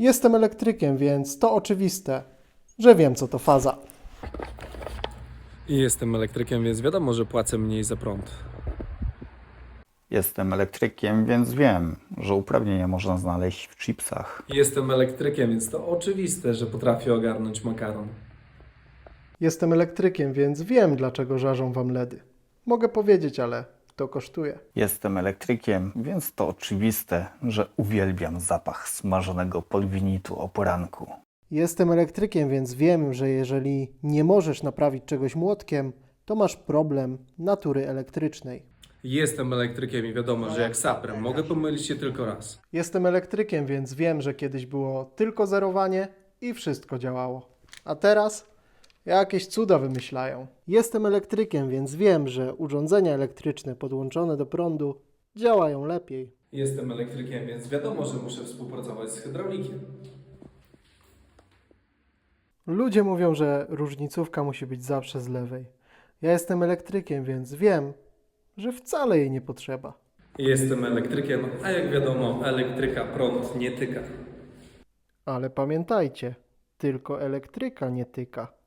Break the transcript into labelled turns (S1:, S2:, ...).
S1: Jestem elektrykiem, więc to oczywiste, że wiem, co to faza.
S2: I jestem elektrykiem, więc wiadomo, że płacę mniej za prąd.
S3: Jestem elektrykiem, więc wiem, że uprawnienia można znaleźć w chipsach.
S2: Jestem elektrykiem, więc to oczywiste, że potrafię ogarnąć makaron.
S1: Jestem elektrykiem, więc wiem, dlaczego żarzą wam LEDy. Mogę powiedzieć, ale to kosztuje.
S3: Jestem elektrykiem, więc to oczywiste, że uwielbiam zapach smażonego polwinitu o poranku.
S1: Jestem elektrykiem, więc wiem, że jeżeli nie możesz naprawić czegoś młotkiem, to masz problem natury elektrycznej.
S2: Jestem elektrykiem i wiadomo, że jak saprem mogę pomylić się tylko raz.
S1: Jestem elektrykiem, więc wiem, że kiedyś było tylko zerowanie i wszystko działało. A teraz jakieś cuda wymyślają. Jestem elektrykiem, więc wiem, że urządzenia elektryczne podłączone do prądu działają lepiej.
S2: Jestem elektrykiem, więc wiadomo, że muszę współpracować z hydraulikiem.
S1: Ludzie mówią, że różnicówka musi być zawsze z lewej. Ja jestem elektrykiem, więc wiem, że wcale jej nie potrzeba.
S2: Jestem elektrykiem, a jak wiadomo, elektryka prąd nie tyka.
S1: Ale pamiętajcie, tylko elektryka nie tyka.